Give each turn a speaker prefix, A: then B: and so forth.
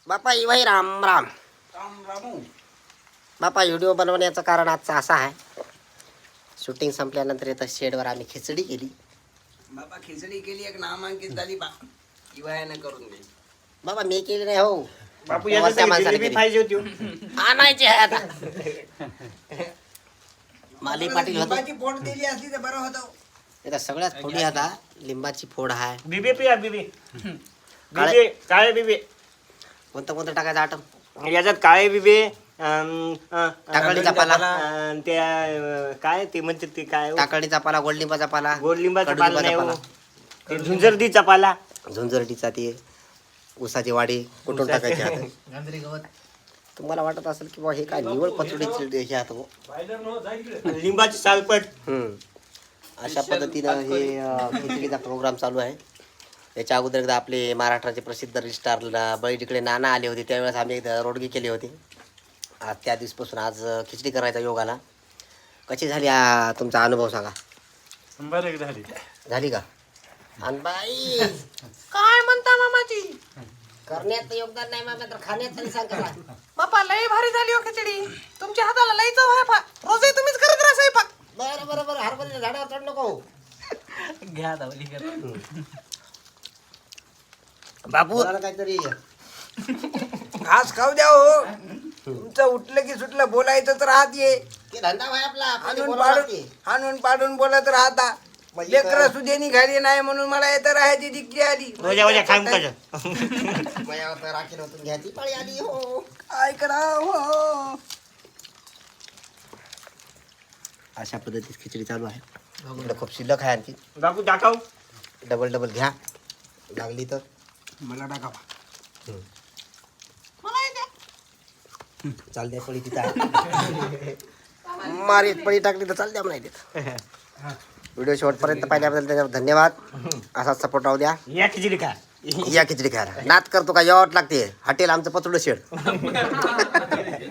A: बापा इवाई राम राम.
B: रामू
A: बापा व्हिडिओ बनवण्याचं कारण आजचं असं आहे, शूटिंग संपल्यानंतर इथं शेडवर आम्ही खिचडी केली.
B: बाबा खिचडी केली एक नामांकित झाली बा इवायानं करून दे.
A: बाबा मी केली नाही हो,
C: बापू
A: तेव्हा त्या माणसाने
C: जिलेबी
A: केली.
C: पाहिजे होती.
A: आणायची आहे आता. माली पाटील होतो
B: लिंबाची फोड दिली असली तर बरं होतं.
A: इथं सगळ्यात फोडी आता लिंबाची फोड आहे.
C: बिबे पिया बिबे.
A: काळे-
C: बिबे काळे बिबे.
A: कोणतं टाकायचं आटम?
C: याच्यात काळे बिबे
A: टाकळीचा पाला.
C: त्या काय ते म्हणतात ते काय हो?
A: टाकळीचा पाला, गोड लिंबाचा पाला,
C: गोड लिंबाचा पाला
A: कडुलिंबाचा
C: नाही हो.
A: पाला.
C: ते झुंजरदीचा पाला.
A: झुंजरटीचा ते उसाची वाडी कुठून टाकायची आता? तुम्हाला वाटत असेल की बा हे काय निवड पचडीची हे आता हो.
C: लिंबाची सालपट.
A: अशा पद्धतीनं हे खिचडीचा प्रोग्राम चालू आहे. याच्या अगोदर एकदा आपले महाराष्ट्राचे प्रसिद्ध स्टार बळी तिकडे नाना आले होते, त्यावेळेस आम्ही एकदा रोडगी केली होती. आज त्या दिवसपासून आज खिचडी करायचा योग आला. कशी झाली तुमचा अनुभव सांगा.
C: बरं झाली.
A: झाली का? आणि बाई
D: काय म्हणता मामाजी?
A: करण्यात योगदान नाही मामा, तर खाण्यात तरी सांग करा.
D: बापा लय भारी झाली हो खिचडी. तुमच्या हाताला लय चव आहे पा. रोजही तुम्हीच करत राहा स्वयंपाक.
A: बरं बरं बरं, हरभऱ्याच्या झाडावर चढ नको. बापू काहीतरी
B: घास खाऊ द्या हो. तुमचं उठलं की सुटलं बोलायचं तर राहत ये.
A: ते धंदा भाई आपला कधी
B: हाणून
A: बोलावं
B: पाडून
A: लागते.
B: हाणून पाडून बोलत राहता. लेकरं सुद्धा निघाली नाही म्हणून मला येतं राहायची दिक्की आली.
C: वजा खाऊन कसं.
A: माझ्यावर तर राखील होतून घ्यायची पाळी आली हो.
B: काय करा हो.
A: अशा पद्धतीत खिचडी चालू आहे. इकडे खूप शिल्लक आहे आणखी.
C: बापू दाखव.
A: डबल घ्या लागली तर.
B: मला टाका.
D: मला येते.
A: चाल द्या पळी तिथं आहे. मारीत पळी टाकली तर चाल द्या म्हणायचे. व्हिडिओ शेवटपर्यंत पाहिल्याबद्दल त्याच्यावर धन्यवाद. असाच सपोर्ट राहू द्या.
C: या खिचडी का.
A: या खिचडी खायला नाद करतो का यावं लागते. हॉटेल आमचं पतुडं शेड.